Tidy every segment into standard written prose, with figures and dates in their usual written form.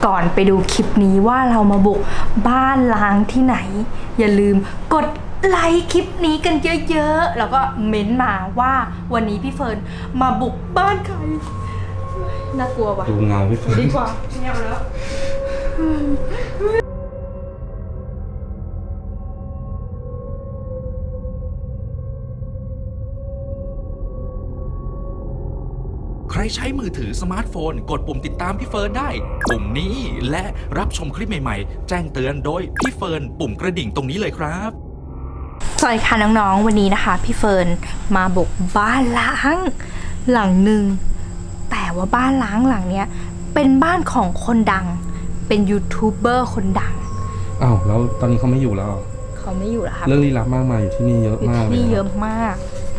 ก่อนไปดูคลิปนี้ว่าเรามาบุกบ้านล้างที่ไหนอย่าลืมกดไลค์คลิปนี้กันเยอะๆแล้วก็เม้นมาว่าวันนี้พี่เฟิร์นมาบุกบ้านใครน่ากลัวว่ะดูเงาพี่เฟิร์นดีกว่าไม่เอาแล้วใครใช้มือถือสมาร์ทโฟนกดปุ่มติดตามพี่เฟิร์นได้ปุ่มนี้และรับชมคลิปใหม่ๆแจ้งเตือนโดยพี่เฟิร์นปุ่มกระดิ่งตรงนี้เลยครับสวัสดีค่ะน้องๆวันนี้นะคะพี่เฟิร์นมาบุกบ้านล้างหลังหนึ่งแต่ว่าบ้านล้างหลังเนี้ยเป็นบ้านของคนดังเป็นยูทูบเบอร์คนดังอ้าวแล้วตอนนี้เขาไม่อยู่แล้วเขาไม่อยู่แล้วค่ะเรื่องลี้ลับมากมายอยู่ที่นี่เยอะมากเลยนี่เยอะมาก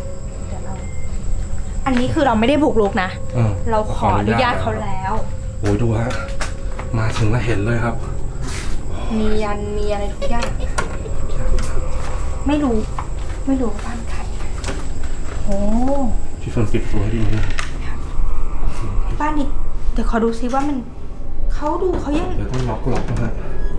อันนี้คือเราไม่ได้บุกรุกนะเราขออนุญาตเขาแล้วโอ้ยดูฮะมาถึงแล้วเห็นเลยครับมียันมีอะไรทุกอย่างไม่รู้บ้านใครโอ้พี่เฟิร์นปิดตัวให้ดีนะบ้านนี้เดี๋ยวขอดูซิว่ามันเขาดูเขายังเดี๋ยวต้องล็อกนะฮะ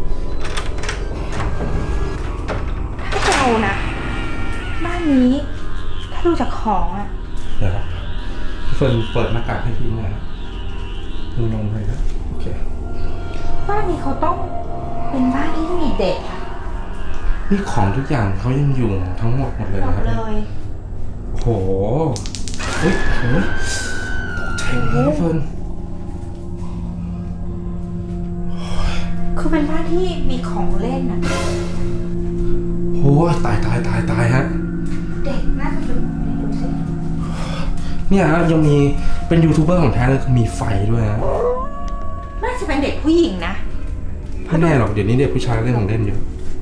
ถ้าเรานะบ้านนี้ถ้าดูจากของอ่ะเดี๋ยวพี่เฟิร์นเปิดหน้ากากให้พี่นะดูลงเลยนะโอเคบ้านนี้เขาต้องเป็นบ้านที่มีเด็กนี่ของทุกอย่างเขายังอยู่ทั้งหมดเลยครับเลยโหเฮ้ยตกใจเลยเฟิร์นคือเป็นบ้านที่มีของเล่นอ่ะโหตายฮะเด็กน่าจะเป็นดูสิเนี่ยฮะยังมีเป็นยูทูบเบอร์ของแท้เลยมีไฟด้วยฮะน่าจะเป็นเด็กผู้หญิงนะไม่แน่หรอกเดี๋ยวนี้เด็กผู้ชายเล่นของเล่นเยอะ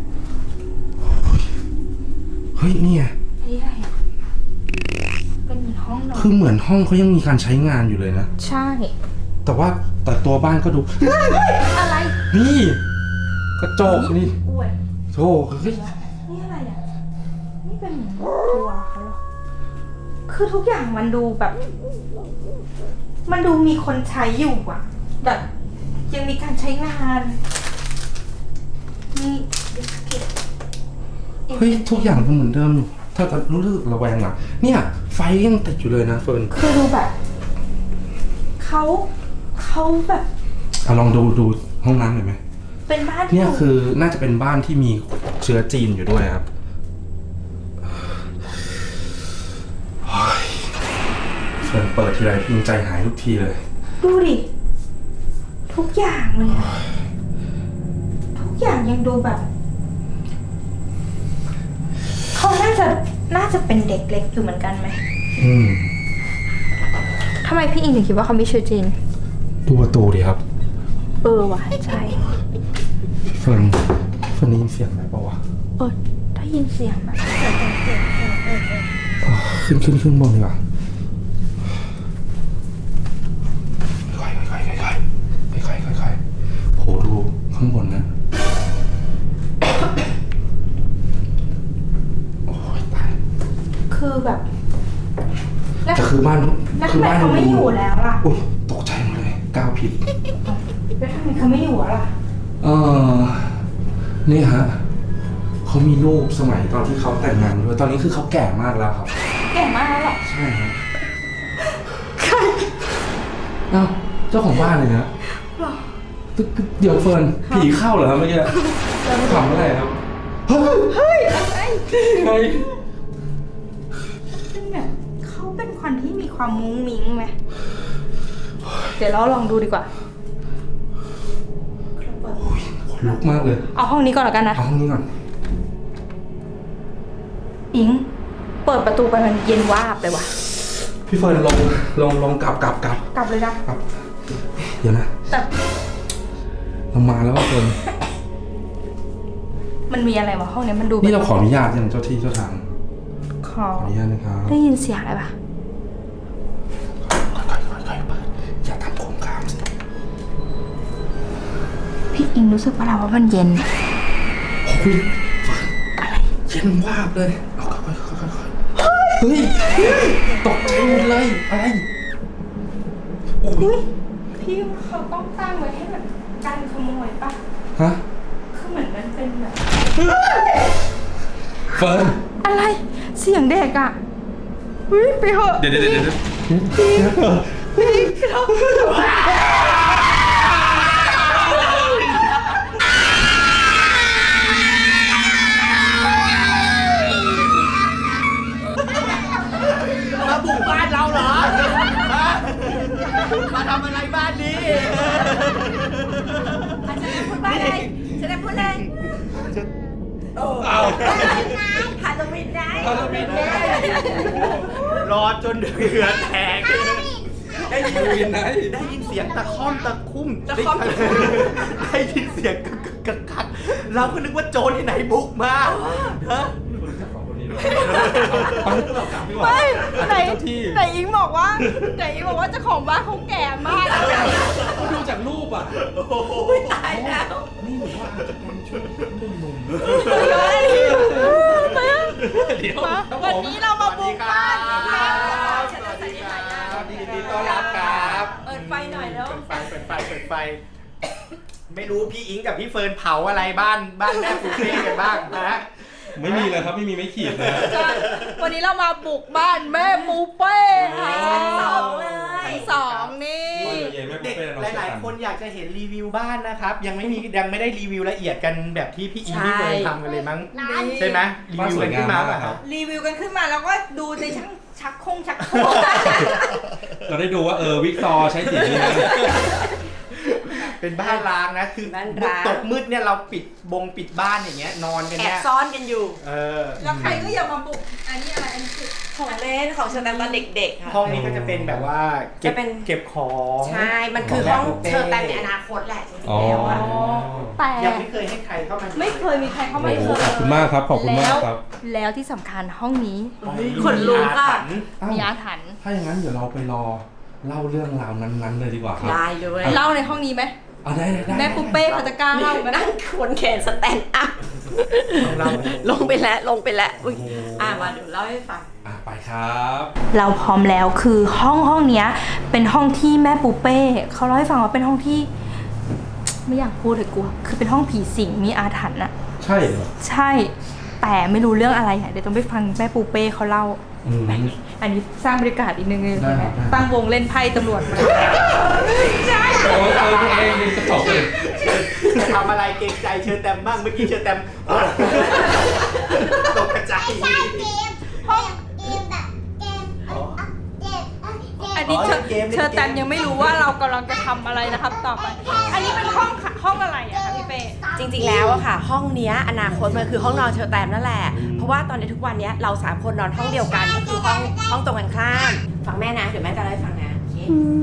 เฮ้ยนี่ไงนี่อะไรเป็นเหมือนห้องนอนคือเหมือนห้องเขายังมีการใช้งานอยู่เลยนะใช่แต่ตัวบ้านก็ดูอะไรนี่กระจกนี่โธ่เฮ้ยนี่อะไรอ่ะนี่เป็นตัวเขาหรอคือทุกอย่างมันดูแบบมันดูมีคนใช้อยู่อ่ะแบบยังมีการใช้งานนี่เฮ้ยทุกอย่างมันเหมือนเดิมอยู่ถ้ารู้สึกระแวงอ่ะเนี่ยไฟยังติดอยู่เลยนะเฟิร์นคือดูแบบเขาแบบลองดูห้องน้ำหน่อยไหมเป็นบ้านเนี่ยคือน่าจะเป็นบ้านที่มีเชื้อจีนอยู่ด้วยครับเฟิร์นเปิดทีไรพิงใจหายทุกทีเลยดูดิทุกอย่างเลยทุกอย่างยังดูแบบเขาน่าจะเป็นเด็กเล็กอยู่เหมือนกันไหมทำไมพี่อิงถึงคิดว่าเขามีเชื้อจีนดูประตูดิครับว่ะใช่เฟิร์นได้ยินเสียงไหมเปล่าวะได้ยินเสียงแบบขึ้นบนดีกว่าค่อยโหดูข้างบนนะโอ้ยตายคือแบบแต่คือบ้านเขาไม่อยู่แล้วล่ะอุ้ยตกใจหมดเลยก้าวผิดแล้วทำไมเขาไม่อยู่ล่ะนี่ฮะเขามีลูกสมัยตอนที่เขาแต่งงานด้วยตอนนี้คือเขาแก่มากแล้วครับแก่มากแล้วหรอใช่ครับใครเจ้าของบ้านเลยนะเดี๋ยวเฟิร์นผีเข้าเหรอครับเมื่อกี้ขำอะไรครับเฮ้ยอะไรไงเป็นแบบเขาเป็นคนที่มีความมุ้งมิ้งไหมเดี๋ยวเราลองดูดีกว่าลุกมากเลยเอาห้องนี้ก่อนแล้วกันนะเอาห้องนี้ก่อนอิงเปิดประตูไปมันเย็นวาบเลยว่ะพี่เฟิร์นลงกลับเลยนะกลับเดี๋ยวนะแต่เรามาแล้วเฟิร์นมันมีอะไรวะห้องนี้มันดูนี่เราขออนุญาตยังเจ้าที่เจ้าทางขออนุญาตนะครับได้ยินเสียงอะไรปะค่อยเปิดอย่าทำโครงคามสิพี่อิงรู้สึกว่าเราว่ามันเย็นโอ้ยอะไรเย็นวาบเลยเอาค่อยเฮ้ยตกใจหมดเลยอะไรโอ้ยพี่เขาต้องตั้งไว้ให้แบบกันยปะฮะคือเหมือนมันเป็นแบบเฟิร์นอะไรเสียงเด็กอ่ะเฮ้ยไปเหอะเดี๋ยวมาบุกบ้านเราเหรอ มาทำอะไรบ้านนี้อาจารย์พูดว่าอะไรอาจารย์พูดอะไรเอาฮาโลวีนได้รอจนเหงื่อแตก ได้ยินดูยังไงได้ยินเสียงตะค่อมตะคุ่ม ได้ยินเสียงกักเราก็นึกว่าโจรที่ไหนบุกมาฮะไม่ไหนเจ้าที่ไหนอิงบอกว่าเจ้าของบ้านเขาแก่มากดูจากรูปอ่ะตายแล้วนี่หนูว่าอาจจะเป็นช่วงหนุ่มเดี๋ยววันนี้เรามาบุกบ้านสวัสดีครับยินดีต้อนรับครับเปิดไฟหน่อยแล้วเปิดไฟ ไม่รู้พี่อิงกับพี่เฟิร์นเผาอะไรบ้านแม่ปูเป้กันบ้างนะๆไม่มีเลยครับไม่มีไม่ขีดเลยวันนี้เรามาบุกบ้านแม่ปูเป้ค่ะชั้นสองนี่เด็กหลายๆคนอยากจะเห็นรีวิวบ้านนะครับ ยังไม่ได้รีวิวละเอียดกันแบบที่พี่อิงพี่เฟิร์นทำกันเลยมั้งใช่ไหมรีวิวกันขึ้นมาป่ะครับรีวิวกันขึ้นมาแล้วก็ดูในชักโครงเราได้ดูว่าวิกซอใช้สีนี้นะเป็นบ้านร้างนะคือบ้านร้างตกมืดเนี่ยเราปิดบ้านอย่างเงี้ยนอนกันแอเนี่บยซ่อนกันอยู่แล้วใครก็อย่ามาบุกอันนี้อะไรอันนี้คือของเล่นของเชอร์แตมตอนเด็กๆค่ะห้องนี้ก็จะเป็นแบบว่าเก็บจะเป็นเก็บของใช่ มันคือห้องเชอร์แตมในอนาคตแหละจริงๆแล้วอะแต่ยังไม่เคยให้ใครเข้ามาไม่เคยมีใครเข้ามาโอ้โหขอบคุณมากครับขอบคุณมากครับแล้วที่สำคัญห้องนี้ขนลุกอะมีอาถรรพ์ถ้าอย่างนั้นเดี๋ยวเราไปรอเล่าเรื่องราวนั้นๆเลยดีกว่าครับได้เลยเล่าในห้องนี้ไหมได้แม่ปุ๊เป้เขาจะกล้าเล่าไหมนั่งขวนแขนสแตนด์อัพเราลงไปแล้วอุ๊ยมาเดี๋ยวเล่าให้ฟังไปครับเราพร้อมแล้วคือห้องเนี้ยเป็นห้องที่แม่ปูเป้เขาเล่าให้ฟังว่าเป็นห้องที่ ไม่อยากพูดเลยกลัวคือเป็นห้องผีสิงมีอาถรรพ์อะใช่เหรอใช่ แต่ไม่รู้เรื่องอะไรอะเดี๋ยวต้องไปฟังแม่ปูเป้เขาเล่า อันนี้สร้างบรรยากาศอีกนึงเลยได้ใช่ไหมได้ตั้งวงเล่นไพ่ตำรวจมาตัวเองจะตอบเลยจะทำอะไรเกรงใจเชิญแตมบ้างเมื่อกี้เชิญแตมตกกระจายไม่ใช่เกมเกมแบบเกมอันนี้เชอร์แตมยังไม่รู้ว่าเรากำลังจะทำอะไรนะครับต่อไป อันนี้เป็นห้องอะไรอะคะพี่เป้จริงๆแล้วอะค่ะ ห้องเนี้ยอนาคตมันคือห้องนอนเชอร์แตมนั่นแหละ เพราะว่าตอนนี้ทุกวันเนี้ยเรา3คนนอนห้องเดียวกันก็คือห้องตรงกันข้ามฟังแม่นะเดี๋ยวแม่จะเล่าให้ฟังนะโอเค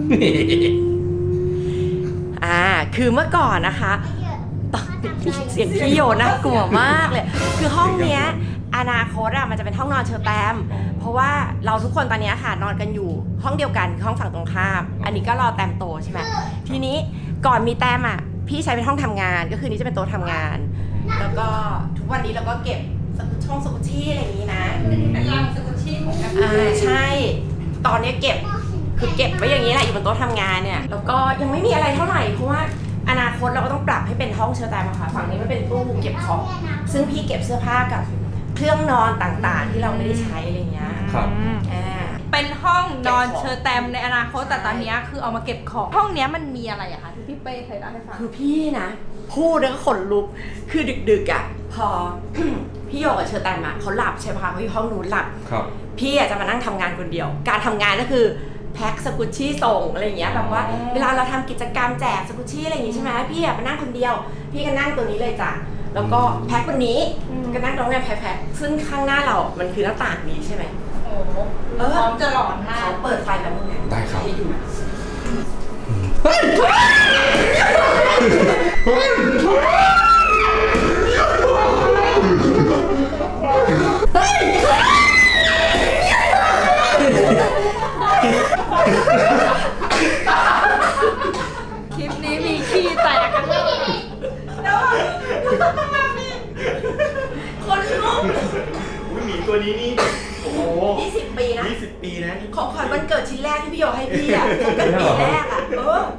คือเมื่อก่อนนะคะตอนเสียงพี่โยน่ากลัวมากเลย คือห้องเนี้ยอนาคตมันจะเป็นห้องนอนเชอร์แตมเพราะว่าเราทุกคนตอนนี้ค่ะนอนกันอยู่ห้องเดียวกันห้องฝั่งตรงข้าม อันนี้ก็รอแตมโตใช่ไหมทีนี้ก่อนมีแตมพี่ใช้เป็นห้องทำงานก็คือนี้จะเป็นโต๊ะทำงาน แล้วก็ทุกวันนี้เราก็เก็บช่องสกุชชี่อะไรอย่างนี้นะเป็นรังสกุชชี่ของแอปใช่ ตอนนี้เก็บไว้อย่างนี้แหละอยู่บนโต๊ะทำงานเนี่ยแล้วก็ยังไม่มีอะไรเท่าไหร่เพราะว่าอนาคตเราก็ต้องปรับให้เป็นห้องเชอร์แตมค่ะฝั่งนี้มันเป็นตู้เก็บของซึ่งพี่เก็บเสื้อผ้ากับเครื่องนอนต่างๆ ที่เราไม่ได้ใช้อะไรเงี้ยครับเป็นห้องนอนเชอร์แตมในอนาคตแต่ตอนนี้คือเอามาเก็บของห้องเนี้ยมันมีอะไรอะคะที่พี่เป้เคยเล่าให้ฟังคือพี่นะพูดแล้วก็ขนลุกคือดึกๆพอ พี่โยกับเชอร์แตมเขาหลับใช่ไหมคะเขาอยู่ห้องนู้นหลับครับพี่จะมานั่งทำงานคนเดียว การทำงานก็คือแพ็คสกุชชี่ส่งอะไรอย่างเงี้ยแบบว่าเวลาเราทำกิจกรรมแจกสกุชชี่อะไรอย่างงี้ใช่ไหมพี่มานั่งคนเดียว พี่ก็นั่งตัวนี้เลยจ้ะแล้วก็แพ็ควันนี้ก็นั่งตรงนี้แพ็คซึ่งข้างหน้าเรามันคือหน้าต่างนี้ใช่ไหมโอ้โหพร้อมจะหลอนมากเขาเปิดไฟแบบนี้ได้ครับให้ดูคลิปนี้มีขี้แตกกันเลยคนลุกหมีตัวนี้นี่โอ้โห 20 ปีนะ 20 ปีนะนี่ของขวัญวันเกิดชิ้นแรกที่พี่โยให้พี่เขาเป็นปีแรก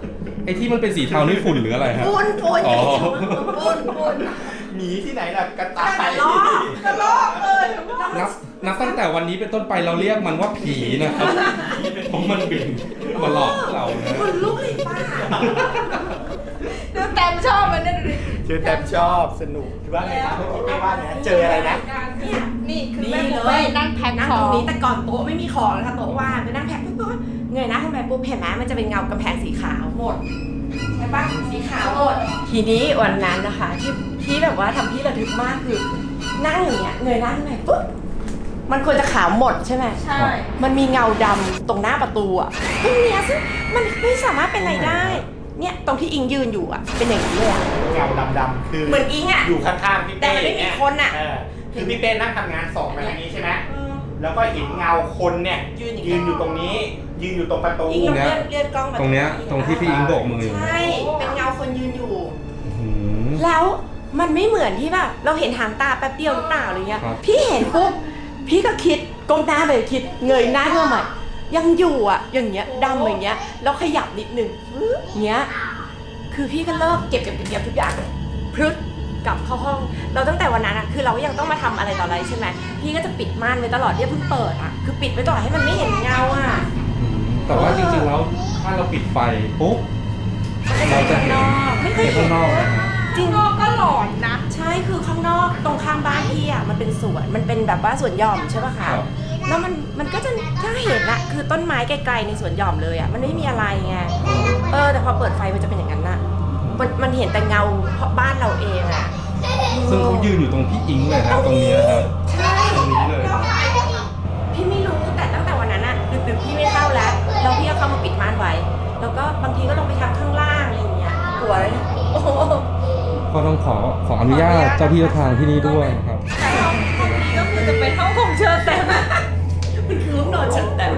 อ้ที่มันเป็นสีเทานี่ฝุ่นหรืออะไรครับฝุ่นอ๋อฝุ่นหนีที่ไหนล่ะกระต่ายกระลอกเลยนับตั้งแต่วันนี้เป็นต้นไปเราเรียกมันว่าผีนะครับเพราะมันบินมาหลอกเรานะคนลุกเลยป้าดูแต้มชอบมันนั่นเลยเจอแต่ชอบสนุกว่าไงครับพี่เป้ว่าไงเจออะไรนะนี่คือนี่แม่เลปุ๊เป้ยนั่งแพ็คนั่งขตอรงงนี้แต่ก่อนโต๊ะไม่มีของนะคะโต๊ะว่างไปนั่งแพ็คปุ๊บเงยหน้าขึ้นไปปุ๊บเห็นไหมมันจะเป็นเงากำแพงสีขาวหมดใช่ปะสีขาวหมดทีนี้วันนั้นนะคะที่แบบว่าทำที่ระทึกมากคือนั่งอย่างเงี้ยเงยหน้าขึ้นไปปุ๊บมันควรจะขาวหมดใช่ไหมใช่มันมีเงาดำตรงหน้าประตูอะตรงเนี้ยซึ่งมันไม่สามารถเป็นอะไรได้เนี่ยตรงที่อิงยืนอยู่อะเป็นอย่างนี้เลยอะเงาดำๆคือเหมือนอิงอะอยู่ข้างๆพี่แต่เป้มันไม่มีเนี่ยคนอะคือพี่เป้นั่งทำงานส่องมาทางนี้ใช่ไหมแล้วก็เห็นเงาคนเนี่ยยืนอย่างยืนอยู่ตรงนี้ ยืนอยู่ตรงประตูอิงลองเลื่อนกล้องมาตรงเนี้ยตรงที่พี่อิงโบกมืออยู่ใช่ เป็นเงาคนยืนอยู่อืมแล้วมันไม่เหมือนที่แบบเราเห็นหางตาแป๊บเดียวหรือเปล่าอะไรเงี้ยครับพี่เห็นปุ๊บพี่ก็คิดก้มหน้าไปคิดเงยหน้าขึ้นมาใหม่ยังอยู่อ่ะอย่างเงี้ยดำอย่างเงี้ยแล้วขยับนิดนึงเงี้ยคือพี่ก็เลิกเก็บทุกอย่างพรึดกลับเข้าห้องเราตั้งแต่วันนั้นอะคือเราก็ยังต้องมาทำอะไรต่ออะไรใช่ไหมพี่ก็จะปิดม่านไว้ตลอดเนี่ยเพิ่งเปิดอ่ะคือปิดไว้ตลอดให้มันไม่เห็นเงาอ่ะแต่ว่าจริงๆแล้วถ้าเราปิดไฟปุ๊บเราจะเห็นไม่เคยเห็นเห็ข้าน งนอกนะฮะจริงก็หลอนนะใช่คือข้างนอกตรงข้างบ้านพี่อ่ะมันเป็นสวนมันเป็นแบบว่าสวนหย่อมใช่ป่ะคะครับแล้วมันก็จะถ้าเห็นอะคือต้นไม้ไกลๆในสวนหย่อมเลยอะมันไม่มีอะไรไงแต่พอเปิดไฟมันจะเป็นอย่างนั้นน่ะมันเห็นแต่เงาบ้านเราเองอะซึ่งเขายืนอยู่ตรงพี่อิงเลยครับตรงนี้นะครับใช่ตรงนี้เลยครับพี่ไม่รู้แต่ตั้งแต่วันนั้นอะดึกๆพี่ไม่เข้าแล้วแล้วพี่ก็เข้ามาปิดม่านไว้ แล้วก็บางทีก็ลงไปทำข้างล่างอะไรอย่างเงี้ยกลัวเลยโอ้โหก็ต้องขออนุญาตเจ้าที่เจ้าทางที่นี่ด้วยครับแต่ห้องนี้ก็คือจะเป็นห้องของเชอร์แตมมันคือห้องนอนฉันแต่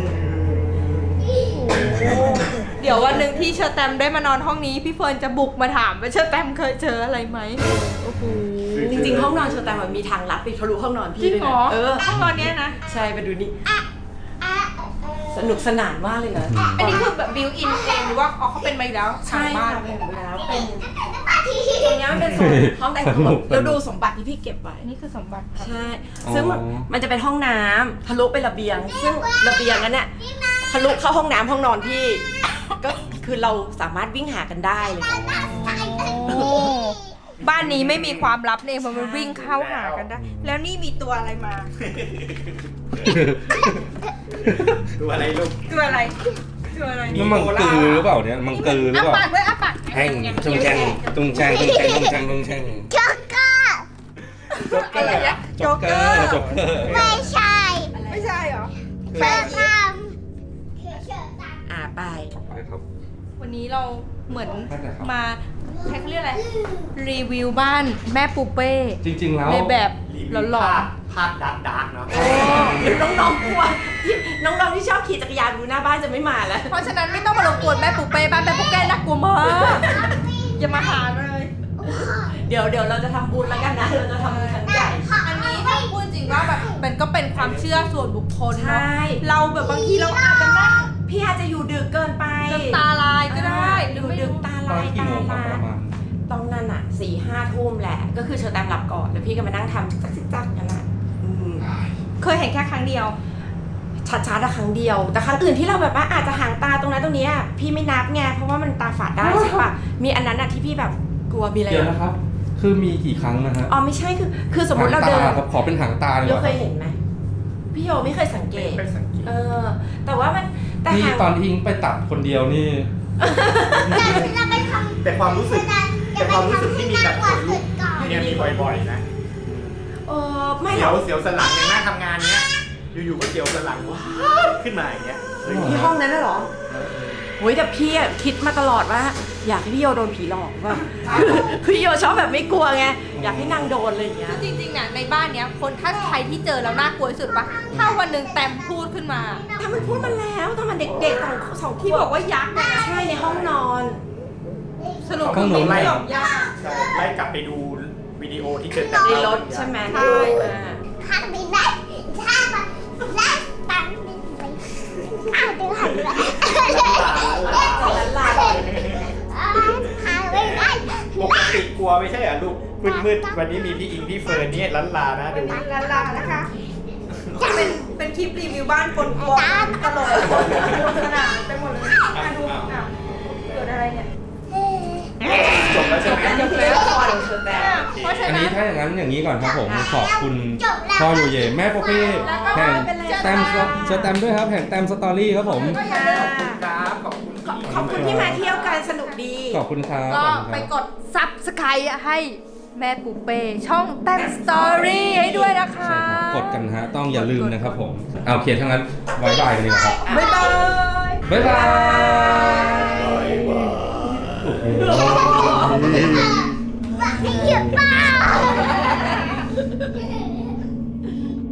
เดี๋ยววันหนึ่งที่เชอร์แตมได้มานอนห้องนี้พี่เฟิร์นจะบุกมาถามว่าเชอร์แตมเคยเจออะไรไหมโอ้โหจริงๆห้องนอนเชอแต่มันมีทางลัดไปทะลุห้องนอนจริพี่งด้วยเหรนะอห้องนอนเนี้ยนะใช่ไปดูนี่สนุกสนานมากเลยนะอันนี้คือแบบบิวอินเองหรือว่าเขาเป็นมาอยู่แล้วใช่ทางบ้าค่ะนเป็นไปแล้วเป็นตรงนี้มันเป็นโซนห้องแต่งตัวแล้วดูสมบัติที่พี่เก็บไว้นี่คือสมบัติครับใช่ซึ่งมันจะเป็นห้องน้ำทะลุไประเบียง ซึ่งระเบียงนั้นเนี่ยทะลุเข้าห้องน้ำห้องนอนพี่ก็คือเราสามารถวิ่งหากันได้เลยบ้านนี้ไม่มีความลับเนี่ยเพราะมันวิ่งเข้าหากันได้ แล้วนี่มีตัวอะไรมาดูอะไรลูกตัวอะไรตัวอะไรนี่มังกือหรือเปล่าเนี่ยมังกือหรืออ้าเปล่าปากด้วยอ้าปากแห้งจุงแจงจุงแจงจุงแจงจุงแจงจุงแจงจ็อกเกอร์จ็อกเกอร์โจ๊กเกอร์โจ๊กเกอร์ไม่ใช่ไม่ใช่เหรอเชิญทำเชิญทำไปไปครับวันนี้เราเหมือนนั่นแหละครับมาใครเขาเรียกอะไรรีวิวบ้านแม่ปูเป้จริงๆแล้วในแบบรีวิวหลอนภาพดาร์กๆเนาะน้องๆกลัวที่น้องๆที่ชอบขี่จักรยานดูหน้าบ้านจะไม่มาแล้วๆเพราะฉะนั้นไม่ต้องมารบกวนแม่ปูเป้บ้านแม่ปูเป้น่ากลัวมากอย่ามาหาเลยเดี๋ยวเราจะทำบุญแล้วกันนะเราจะทำบุญครั้งใหญ่อันนี้ถ้าพูดจริงว่าแบบมันก็เป็นความเชื่อส่วนบุคคลใช่เนาะเราแบบบางทีเราอาจจะนั่งพี่อาจจะอยู่ดึกเกินไปจนตาลายก็ได้หหรืรือ อไม่ดึรู้กตาตอนลายกี่ตาโมงครับลาประมาณตอนนั้นอ่ะ4-5 ทุ่มแหละ ก็คือเชอแตมหลับก่อนแล้วพี่ก็มานั่งทำจักกันละเคยเห็นแค่ครั้งเดียวชัดๆอะครั้งเดียว แต่ครั้งอื่นที่เราแบบว่าอาจจะหางตาตรงนั้นตรงนี้อะพี่ไม่นับไงเพราะว่ามันตาฝาดได้ใช่ปะมีอันนั้นอะที่พี่แบบกลัวมีอะไรเดี๋ยวนะครับ คือมีกี่ครั้งนะฮะอ๋อไม่ใช่คือสมมติเราเดินหางตครับขอเป็นหางตาเลยเราเหรอเคครัยบเห็นไหมพี่โยไม่เคยสังเกตไม่สังเกตแต่ว่ามันแต่นี่หางตอนที่อิงไปตัดคนเดียวนี่เราไปทำแต่ความรู้สึกที่มีแบบขนลุกเนี่ยมีบ่อยๆนะไม่หเสีรยอวกเสียวสันหลังอย่างหน้าทำงานเนี้ย อยู่ๆก็เสียวสันหลังว้าบขึ้นมาอย่างเงี้ยเฮ้ยที่ห้องนั้นน่ะเหรอโอ้ยแต่พี่อะคิดมาตลอดว่า อยากให้พี่โยโดนผีหลอกว่าพี่โยชอบแบบไม่กลัวไงอยากให้นางโดนอะไรอย่างเงี้ยจริงๆน่ะในบ้านเนี้ยคนถ้าใครที่เจอแล้วน่ากลัวที่สุดปะถ้าวันหนึ่งแตมพูดขึ้นมาแต่มันพูดมาแล้วตอนมันเด็กๆสองที่บอกว่ายักษ์นะใช่ในห้องนอนสรุปคือเห็นไม่หรอกยักษ์ใช่ไล่กลับไปดูวิดีโอที่เกิดในรถใช่ไหมใช่ข้างบินได้ข้างมันได้ตังบินไปข้างดึงหันเลยจากนั้นลาปกติกลัวไม่ใช่เหรอลูกมืดๆวันนี้มีพี่อิงพี่เฟิร์นนี่ล้านลานะดูลานะคะ เป็นคลิปรีวิวบ้านคนกลัวตลกขนาดไปหมดเลยมาดูเกิดอะไรเนี่ยจบแล้วใช่ไหมจบแล้วพอเดี๋ยวเธอแต่เพราะฉะอันนั้นี้นถ้าอย่างนั้นอย่างนี้ก่อนครับผมขอบคุณพ่อโยเยแม่โปเป้แห่งแตมสแตมด้วยครับแห่งแตมสตอรี่ครับผมก็อย่าลืมครับขอบคุณขอบคุณที่มาเที่ยวกันสนุกดีขอบคุณครับก็ขอบคุณครับไปกด Subscribe ให้แม่ปูเป้ช่องแต้มสตอรี่ให้ด้วยนะคะใช่ครับกดกันฮะต้องอย่าลืมนะครับผมเอาโอเคทั้างนั้นบายบายกันดีกว่าครับบ๊ายบายบ๊ายบายว่าให้หยุดบ้า